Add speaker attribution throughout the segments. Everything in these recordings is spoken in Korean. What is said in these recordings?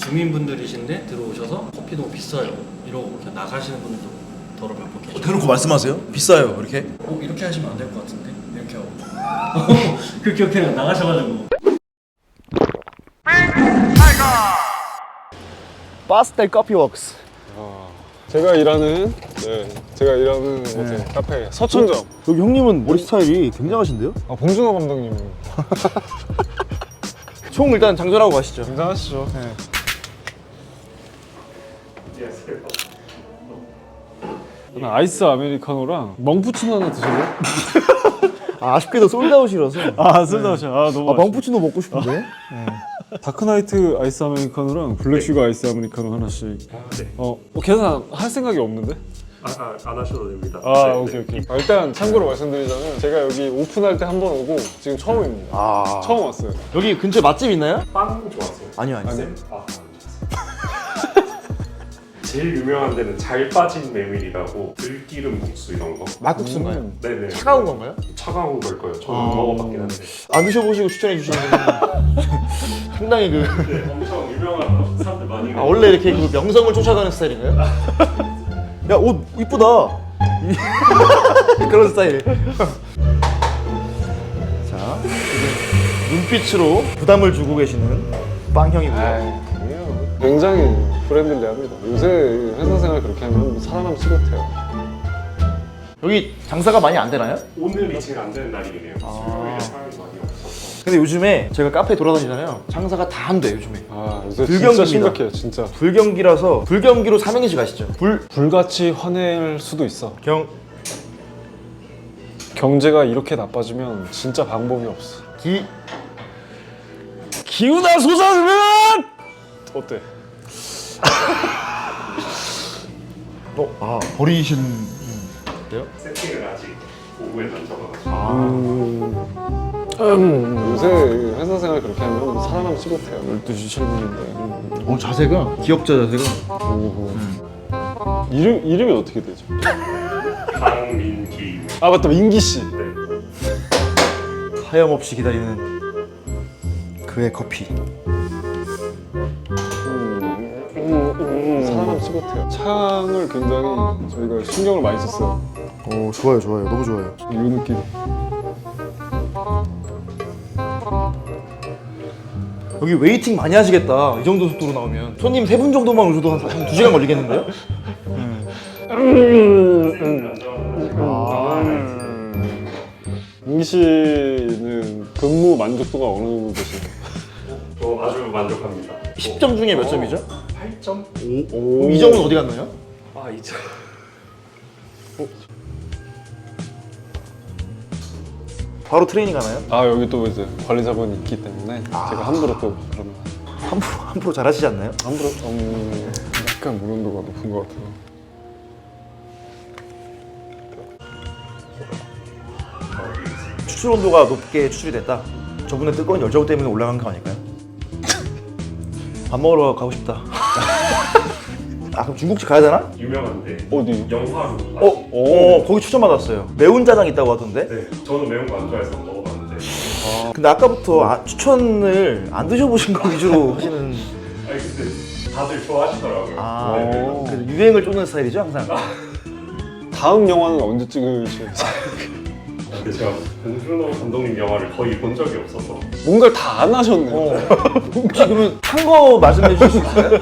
Speaker 1: 주민분들이신데 들어오셔서 커피 너무 비싸요 이러고 그냥 나가시는 분들도 더러 몇 분 계셔요.
Speaker 2: 대놓고 말씀하세요? 비싸요 이렇게?
Speaker 1: 이렇게 하시면 안 될 것 같은데 이렇게 하고 그렇게 그냥 나가셔가지고.
Speaker 2: 파스텔 커피 웍스.
Speaker 3: 제가 일하는 이제 카페 서천점.
Speaker 2: 여기 형님은 머리 스타일이 굉장하신데요?
Speaker 3: 봉준호 감독님
Speaker 2: 총 일단 장전하고 가시죠.
Speaker 3: 굉장하시죠. 저는 아이스 아메리카노랑 멍푸치노 하나 드실래요?
Speaker 2: 아쉽게도 솔드아웃이라서.
Speaker 3: 솔드아웃이야. 너무
Speaker 2: 멍푸치노 먹고 싶은데.
Speaker 3: 다크나이트 아이스 아메리카노랑 블랙슈가 아이스 아메리카노 하나씩. 계산 할 생각이 없는데?
Speaker 4: 안 하셔도 됩니다.
Speaker 3: 오케이. 일단 참고로 말씀드리자면 제가 여기 오픈할 때 한 번 오고 지금 처음입니다. 처음 왔어요.
Speaker 2: 여기 근처에 맛집 있나요?
Speaker 4: 빵 좋아하세요?
Speaker 2: 아니요.
Speaker 4: 안 좋아하세요. 제일 유명한 데는 잘 빠진 메밀이라고 들기름 국수 이런 거.
Speaker 2: 막국수인가요?
Speaker 4: 네네.
Speaker 2: 차가운 건가요?
Speaker 4: 차가운 걸 거예요. 저는 먹어봤긴 한데.
Speaker 2: 안 드셔보시고 추천해 주시는 분은 상당히
Speaker 4: 네, 엄청 유명한 사람들 많이.
Speaker 2: 원래 이렇게 그 명성을 쫓아가는 스타일인가요? 야, 옷 이쁘다. 그런 스타일. 자, 지금 눈빛으로 부담을 주고 계시는 빵형이고요.
Speaker 3: 굉장히 프렌들리합니다. 요새 회사 생활 그렇게 하면 살아남지 못해요.
Speaker 2: 여기 장사가 많이 안 되나요?
Speaker 4: 오늘이 제일 안 되는 날이네요. 수요일에 사람이 많이 없어서.
Speaker 2: 근데 요즘에 제가 카페 돌아다니잖아요. 장사가 다 안 돼 요즘에.
Speaker 3: 요새
Speaker 2: 불경기입니다.
Speaker 3: 진짜 심각해요, 진짜.
Speaker 2: 불경기라서 불경기로 삼행시 가시죠.
Speaker 3: 불같이 화낼 수도 있어. 경제가 이렇게 나빠지면 진짜 방법이 없어. 기우나 솟아오르면 어때?
Speaker 2: 버리신 어때요?
Speaker 4: 세팅을 아직 오후에 던져가지고.
Speaker 3: 요새 회사 생활 그렇게 하면 살아남지 못해요. 12시 7분인데.
Speaker 2: 자세가 기억자 자세가.
Speaker 3: 이름이 어떻게 되죠?
Speaker 4: 강민기.
Speaker 3: 맞다, 민기 씨.
Speaker 4: 네.
Speaker 2: 하염없이 기다리는 그의 커피.
Speaker 3: 살아남지 못해요. 창을 굉장히 저희가 신경을 많이 썼어요.
Speaker 2: 좋아요. 너무 좋아요.
Speaker 3: 이 느낌.
Speaker 2: 여기 웨이팅 많이 하시겠다. 이 정도 속도로 나오면 손님 3분 정도만 오셔도 한 2시간 걸리겠는데요?
Speaker 3: 민기 씨는 근무 만족도가 어느 정도 되시나요?
Speaker 4: 저 아주 만족합니다.
Speaker 2: 10점 중에 몇 점이죠?
Speaker 4: 8점?
Speaker 2: 그럼 이 점은 어디 갔나요?
Speaker 4: 2점.
Speaker 2: 바로 트레이닝 가나요?
Speaker 3: 여기 또 이제 관리자분이 있기 때문에 제가 함부로 또 그러면
Speaker 2: 함부로 잘하시지 않나요?
Speaker 3: 함부로 약간 무난도가 높은 것 같아요.
Speaker 2: 추출 온도가 높게 추출이 됐다. 저분의 뜨거운 열정 때문에 올라간 거 아닐까요? 밥 먹으러 가고 싶다. 그럼 중국집 가야 되나?
Speaker 4: 유명한데.
Speaker 3: 어디?
Speaker 4: 영화로.
Speaker 2: 거기 추천받았어요. 매운 짜장 있다고 하던데?
Speaker 4: 네. 저는 매운 거 안 좋아해서 먹어봤는데.
Speaker 2: 근데 아까부터 추천을 안 드셔보신 거 위주로 하시는.
Speaker 4: 근데 다들 좋아하시더라고요.
Speaker 2: 그래서 유행을 쫓는 스타일이죠 항상.
Speaker 3: 다음 영화는 언제 찍으실지.
Speaker 4: 근데 제가 봉준호 감독님 영화를 거의 본 적이 없어서.
Speaker 3: 뭔가를 다 안 하셨네요.
Speaker 2: 혹시 그러면 한 거 말씀해 주실 수 있어요?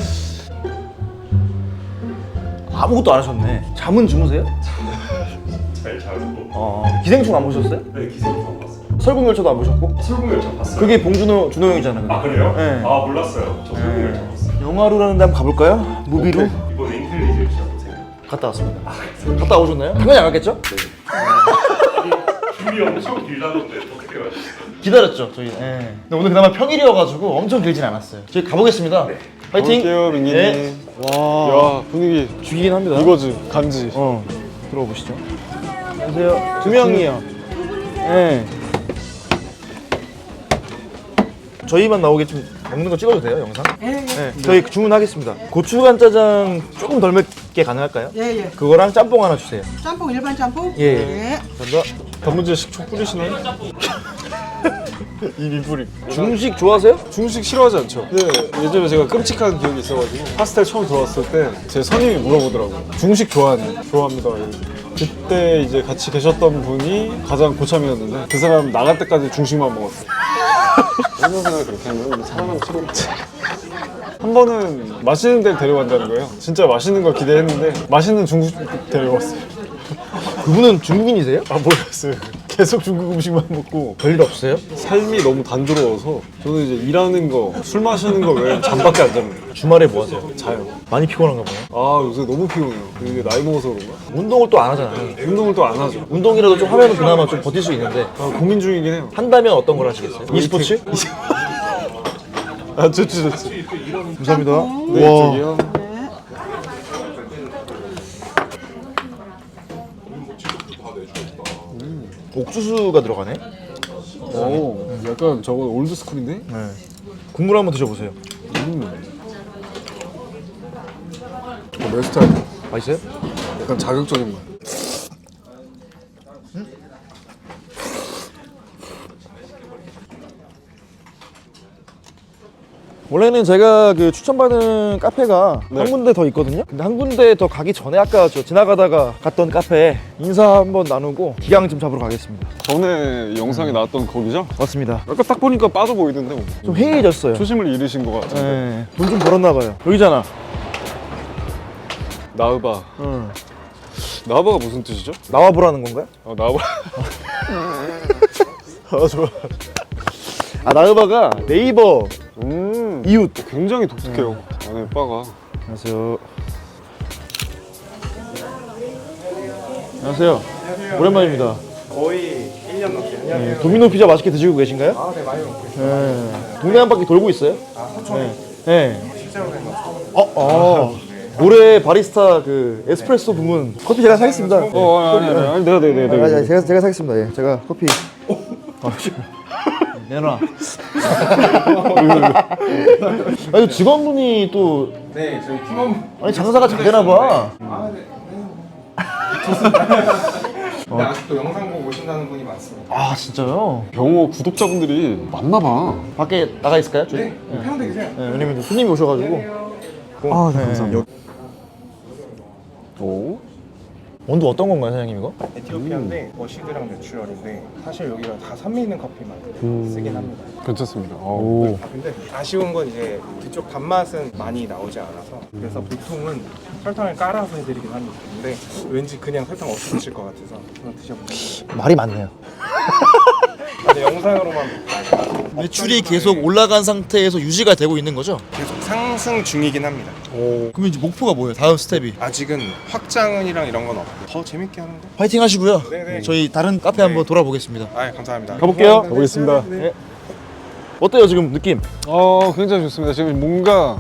Speaker 2: 아무것도 안 하셨네. 잠은 주무세요?
Speaker 4: 잘 자고.
Speaker 2: 기생충 안 보셨어요?
Speaker 4: 네, 기생충 봤어요.
Speaker 2: 설국열차도 안 보셨고?
Speaker 4: 설국열차 봤어요.
Speaker 2: 그게 봉준호 준호 형이잖아요.
Speaker 4: 그래요?
Speaker 2: 네.
Speaker 4: 몰랐어요. 저 설국열차 봤어요.
Speaker 2: 영화로라는 데 한번 가볼까요? 무비로?
Speaker 4: 이번에 인텔리전시 보세요.
Speaker 2: 갔다 왔습니다. 갔다 오셨나요? 당연히 안 갔겠죠?
Speaker 4: 줄이 엄청 길다던데 어떻게 가셨어요?
Speaker 2: 기다렸죠 저희. 근데 오늘 그나마 평일이어가지고 엄청 길진 않았어요. 저희 가보겠습니다.
Speaker 4: 네.
Speaker 2: 파이팅!
Speaker 3: 볼게요, 민기님.
Speaker 2: 네.
Speaker 3: 야, 분위기
Speaker 2: 죽이긴 합니다.
Speaker 3: 이거지, 간지.
Speaker 2: 들어가 보시죠. 안녕하세요. 2명이요. 네. 저희만 나오게 좀 먹는 거 찍어도 돼요, 영상? 네. 저희 주문하겠습니다. 고추간 짜장 조금 덜 맵게 가능할까요?
Speaker 5: 예.
Speaker 2: 그거랑 짬뽕 하나 주세요.
Speaker 5: 짬뽕 일반 짬뽕?
Speaker 2: 예. 감사합니다.
Speaker 3: 단무지에 식초 뿌리시나요? 이미 뿌리.
Speaker 2: 중식 좋아하세요?
Speaker 3: 중식 싫어하지 않죠. 근데 예전에 제가 끔찍한 기억이 있어가지고 파스텔 처음 들어왔을 때 제 선임이 물어보더라고요. 중식 좋아하냐? 좋아합니다. 그때 이제 같이 계셨던 분이 가장 고참이었는데 그 사람 나갈 때까지 중식만 먹었어요. 생각을 그렇게 하면 살아남기 싫었지. 한 번은 맛있는 데를 데려간다는 거예요. 진짜 맛있는 걸 기대했는데 맛있는 중국 데려왔어요.
Speaker 2: 그분은 중국인이세요?
Speaker 3: 아 몰랐어요. 계속 중국 음식만 먹고
Speaker 2: 별일 없어요?
Speaker 3: 삶이 너무 단조로워서 저는 이제 일하는 거, 술 마시는 거 외에 잠밖에 안 잡니다.
Speaker 2: 주말에 뭐 하세요?
Speaker 3: 자요.
Speaker 2: 많이 피곤한가 보네.
Speaker 3: 아 요새 너무 피곤해요. 이게 나이 먹어서 그런가?
Speaker 2: 운동을 또 안 하잖아요.
Speaker 3: 운동을 또 안 하죠.
Speaker 2: 운동이라도 좀 하면 그나마 좀 버틸 수 있는데
Speaker 3: 아, 고민 중이긴 해요.
Speaker 2: 한다면 어떤 걸 하시겠어요? e스포츠?
Speaker 3: 아 좋지 좋지.
Speaker 2: 감사합니다.
Speaker 3: 네 이쪽이요.
Speaker 2: 옥수수가 들어가네.
Speaker 3: 오 약간 저건 올드 스쿨인데?
Speaker 2: 네. 국물 한번 드셔보세요.
Speaker 3: 내 스타일.
Speaker 2: 맛있어요?
Speaker 3: 약간 자극적인 맛.
Speaker 2: 원래는 제가 그 추천받은 카페가
Speaker 3: 네.
Speaker 2: 한 군데 더 있거든요. 근데 한 군데 더 가기 전에 아까 저 지나가다가 갔던 카페에 인사 한번 나누고 기강 좀 잡으러 가겠습니다.
Speaker 3: 전에 영상에 나왔던 거기죠?
Speaker 2: 맞습니다.
Speaker 3: 아까 딱 보니까 빠져 보이던데 뭐.
Speaker 2: 좀 해이해졌어요.
Speaker 3: 초심을 잃으신 것 같은데.
Speaker 2: 네. 돈 좀 벌었나 봐요. 여기잖아.
Speaker 3: 나우바.
Speaker 2: 응.
Speaker 3: 나우바가 무슨 뜻이죠?
Speaker 2: 나와보라는 건가요?
Speaker 3: 나우바.
Speaker 2: 아 좋아. 아 나우바가 네이버 이웃.
Speaker 3: 굉장히 독특해요. 안에 바가.
Speaker 2: 안녕하세요. 안녕하세요. 오랜만입니다.
Speaker 5: 거의 1년 넘게 했어요.
Speaker 2: 네, 도미노 피자 맛있게 드시고 계신가요?
Speaker 5: 아, 네, 많이 먹고 있어요.
Speaker 2: 네. 동네 한 바퀴 돌고 있어요?
Speaker 5: 아, 서촌에
Speaker 2: 네.
Speaker 5: 실제로 된 거.
Speaker 2: 올해 바리스타 그 에스프레소 부문 커피 제가 사겠습니다.
Speaker 3: 아니 내가.
Speaker 2: 제가 사겠습니다. 예. 제가 커피. 내놔. 아니 직원분이 또
Speaker 5: 네, 저희 팀원.
Speaker 2: 아니 장사가 잘 되나 봐.
Speaker 5: 아, 네. 좋습니다. 근데 아직도 영상 보고 오신다는 분이 많습니다.
Speaker 2: 아 진짜요?
Speaker 3: 병호 구독자분들이 많나 봐.
Speaker 2: 밖에 나가 있을까요? 저희?
Speaker 5: 네, 편하게 계세요.
Speaker 2: 네, 왜냐면 손님이 오셔가지고.
Speaker 3: 아, 네, 감사합니다. 오.
Speaker 2: 원두 어떤 건가요, 사장님 이거?
Speaker 5: 에티오피아인데 머시드랑 내추럴인데 사실 여기가 다 산미 있는 커피만 쓰긴 합니다.
Speaker 3: 괜찮습니다.
Speaker 2: 오.
Speaker 5: 근데 아쉬운 건 이제 그쪽 단맛은 많이 나오지 않아서 그래서 보통은 설탕을 깔아서 해드리긴 합니다. 근데 왠지 그냥 설탕 없이 드실 것 같아서 한번 드셔보세요.
Speaker 2: 말이 많네요.
Speaker 5: 근데 영상으로만
Speaker 2: 매출이 계속 올라간 상태에서 유지가 되고 있는 거죠?
Speaker 5: 계속 상승 중이긴 합니다.
Speaker 2: 그러면 이제 목표가 뭐예요? 다음 스텝이?
Speaker 5: 아직은 확장은이랑 이런 건 없고 더 재밌게 하는 거?
Speaker 2: 파이팅 하시고요.
Speaker 5: 네네.
Speaker 2: 저희 다른 카페 한번 돌아보겠습니다.
Speaker 5: 아, 감사합니다.
Speaker 2: 가볼게요.
Speaker 3: 가보겠습니다.
Speaker 2: 네. 어때요 지금 느낌?
Speaker 3: 굉장히 좋습니다. 지금 뭔가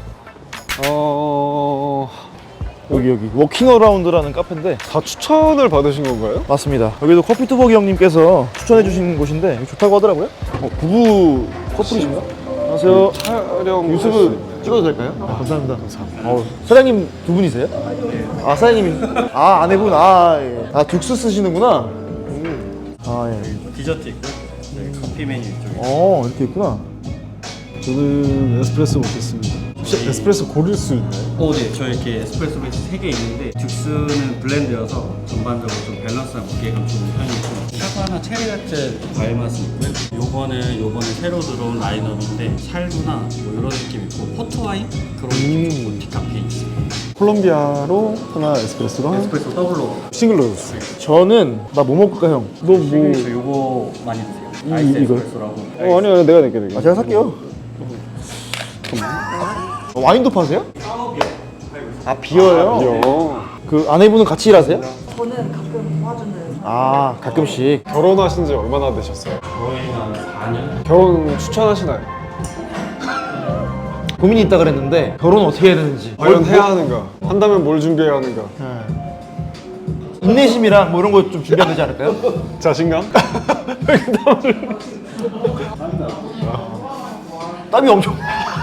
Speaker 2: 여기 워킹 어라운드라는 카페인데
Speaker 3: 다 추천을 받으신 건가요?
Speaker 2: 맞습니다. 여기도 커피 투벅이 형님께서 추천해 주신 곳인데 여기 좋다고 하더라고요. 부부 커플이신가? 안녕하세요.
Speaker 3: 촬영
Speaker 2: 유튜브 찍어도 될까요? 아, 감사합니다. 사장님 두 분이세요? 아 사장님이 아내분 예. 둑스 쓰시는구나. 아 예.
Speaker 1: 디저트 있고요. 네, 커피 메뉴 이쪽에.
Speaker 2: 이렇게 있구나.
Speaker 3: 저는 에스프레소 먹겠습니다. 혹시 에스프레소 고를 수 있나요?
Speaker 1: 네. 저희 이렇게 에스프레소 베이스 3개 있는데 듀스는 블렌드여서 전반적으로 좀 밸런스가 먹기에는 좋은 편이고 사과나 체리같은 과일 맛은 있고요. 요거는 새로 들어온 라인업인데 샬브나 뭐 이런 느낌 있고 포트와인 그런 느낌 있고 디카페 있습니다.
Speaker 3: 콜롬비아로 하나 에스프레소랑
Speaker 1: 에스프레소 더블로.
Speaker 3: 싱글로.
Speaker 2: 저는 나 뭐 먹을까 형? 너 뭐?
Speaker 1: 저 요거 많이 드세요. 아이스
Speaker 2: 이걸?
Speaker 1: 에스프레소라고.
Speaker 3: 아니요 내가 낼게.
Speaker 2: 제가 살게요. 와인도 파세요? 아 비어요? 그 아내분은 같이 일하세요?
Speaker 6: 저는 가끔 도와주는
Speaker 2: 아 가끔씩.
Speaker 3: 결혼하신 지 얼마나 되셨어요?
Speaker 1: 거의 한 4년?
Speaker 3: 결혼 추천하시나요?
Speaker 2: 고민이 있다 그랬는데 결혼 어떻게 해야 되는지.
Speaker 3: 과연 해야 하는가? 한다면 뭘 준비해야 하는가?
Speaker 2: 인내심이랑 뭐 이런 거 좀 준비해야 되지 않을까요?
Speaker 3: 자신감?
Speaker 2: 땀이 엄청.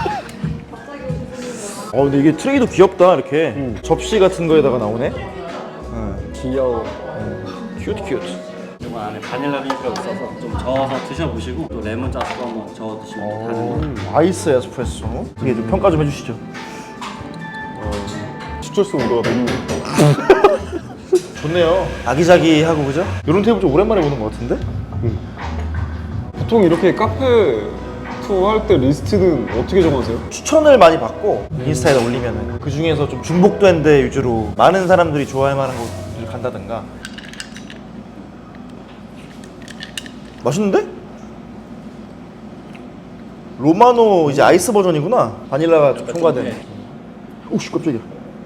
Speaker 2: 근데 이게 트레이도 귀엽다 이렇게 접시 같은 거에다가 나오네.
Speaker 3: 귀여워.
Speaker 2: 큐트.
Speaker 1: 요거 안에 바닐라 비니가 있어서 좀 저어서 드셔보시고 또 레몬 짜서 한번 저어 드시면 다른 거.
Speaker 2: 아이스 에스프레소. 이게 좀 평가 좀 해주시죠.
Speaker 3: 추출수 온도가 너무
Speaker 2: 좋네요. 아기자기하고 그죠? 이런 테이블 좀 오랜만에 보는 것 같은데?
Speaker 3: 보통 이렇게 카페 투어 할 때 리스트는 어떻게 정하세요?
Speaker 2: 추천을 많이 받고 인스타에다 올리면은 그 중에서 좀 중복된 데 위주로 많은 사람들이 좋아할 만한 곳을 간다든가. 맛있는데? 로마노 이제 아이스 버전이구나. 바닐라가 좀 첨가된.
Speaker 1: 네.
Speaker 2: 오씨 깜짝이야.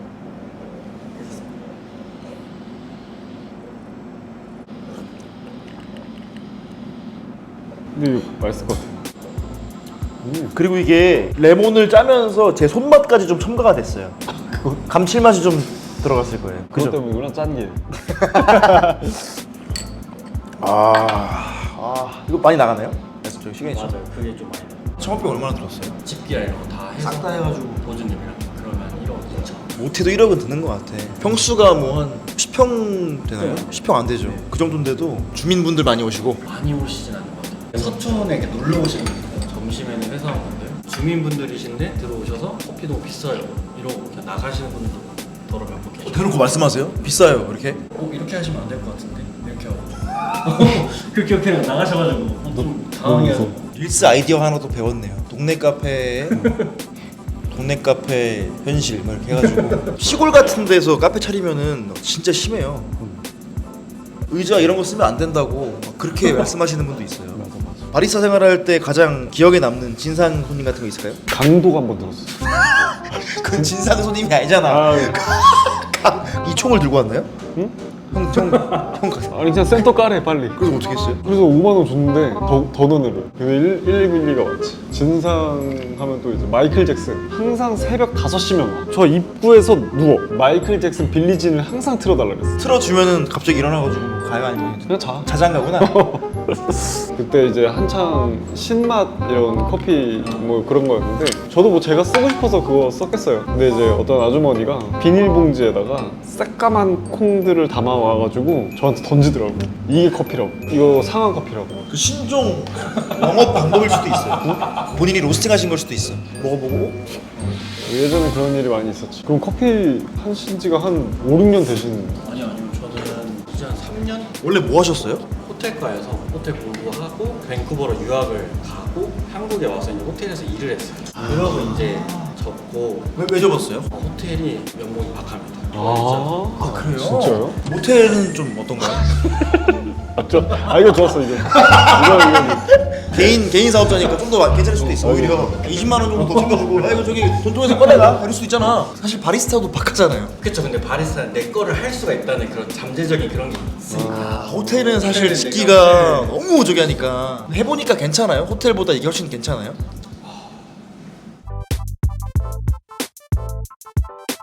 Speaker 3: 근데 이거 맛있을 것 같아요.
Speaker 2: 그리고 이게 레몬을 짜면서 제 손맛까지 좀 첨가가 됐어요. 감칠맛이 좀 들어갔을 거예요.
Speaker 3: 그것
Speaker 2: 그죠?
Speaker 3: 때문이구나, 짠 게.
Speaker 2: 이거 많이 나가나요? 그래서 저희 시그니처.
Speaker 1: 맞아요. 그게 좀 많이 나요.
Speaker 2: 창업비 얼마나 들었어요?
Speaker 1: 집기랑 이런 거 다 해서
Speaker 2: 싹 다 해가지고
Speaker 1: 보증금이랑 그러면 1억 2천.
Speaker 2: 못해도 1억은 드는 것 같아. 평수가 뭐 한 10평 되나요? 10평 안 되죠. 그 정도인데도 주민분들 많이 오시고.
Speaker 1: 많이 오시진 않는 것 같아요. 서촌에 이렇게 놀러 오시는 분들, 점심에는 회사원분들, 주민분들이신데 들어오셔서 커피도 비싸요 이러고 그냥 나가시는 분들도 더러 몇분 계시고.
Speaker 2: 대놓고 말씀하세요? 비싸요 이렇게?
Speaker 1: 이렇게 하시면 안 될 것 같은데 이렇게 하고 그렇게 그냥 나가셔가지고 좀 당황해서.
Speaker 2: 릴스 아이디어 하나 또 배웠네요. 동네 카페에 동네 카페 현실 뭐 이렇게 해가지고 시골 같은 데서 카페 차리면은 진짜 심해요. 의자 이런 거 쓰면 안 된다고 막 그렇게 말씀하시는 분도 있어요. 바리스타 생활할 때 가장 기억에 남는 진상 손님 같은 거 있을까요?
Speaker 3: 강도가 한 번 들었어요.
Speaker 2: 그건 진상 손님이 아니잖아. 이 총을 들고 왔나요?
Speaker 3: 응?
Speaker 2: 형
Speaker 3: 아니 그냥 센터 까래 빨리.
Speaker 2: 그래서 어떻게 했어요?
Speaker 3: 그래서 5만 원 줬는데 더 넣으래요. 근데 112가 왔지. 진상 하면 또 이제 마이클 잭슨 항상 새벽 5시면 와. 저 입구에서 누워. 마이클 잭슨 빌리진을 항상 틀어달라 그랬어.
Speaker 2: 틀어주면은 갑자기 일어나가지고 가요 아니면
Speaker 3: 그냥 자.
Speaker 2: 자장가구나.
Speaker 3: 그때 이제 한창 신맛 이런 커피 뭐 그런 거였는데 저도 뭐 제가 쓰고 싶어서 그거 썼겠어요. 근데 이제 어떤 아주머니가 비닐봉지에다가 새까만 콩들을 담아와가지고 저한테 던지더라고. 이게 커피라고. 이거 상한 커피라고.
Speaker 2: 그 신종 영업 방법일 수도 있어요. 본인이 로스팅하신 걸 수도 있어. 먹어보고
Speaker 3: 예전에 그런 일이 많이 있었지. 그럼 커피 하신 지가 한 5, 6년 되시는
Speaker 1: 아니요 저는 이제 한 3년
Speaker 2: 원래 뭐 하셨어요?
Speaker 1: 호텔과에서 호텔 공부하고 밴쿠버로 유학을 가고 한국에 와서 이제 호텔에서 일을 했어요. 그러고 이제 접고
Speaker 2: 왜 접었어요?
Speaker 1: 호텔이 연봉이 박합니다.
Speaker 3: 아
Speaker 2: 그래요?
Speaker 3: 진짜요?
Speaker 2: 모텔은 좀 어떤가요?
Speaker 3: 이거 좋았어 이거.
Speaker 2: 개인 사업자니까 좀 더 괜찮을 수도 있어. 오히려 20만 원 정도 더 챙겨주고 야 이거 저기 돈통에서 꺼내라 이럴 수도 있잖아. 사실 바리스타도 박하잖아요.
Speaker 1: 그렇죠. 근데 바리스타는 내 거를 할 수가 있다는 그런 잠재적인 그런 게 있으니까.
Speaker 2: 호텔은 사실
Speaker 1: 호텔은
Speaker 2: 짓기가
Speaker 1: 내가
Speaker 2: 너무 저기 하니까 해보니까 괜찮아요? 호텔보다 이게 훨씬 괜찮아요?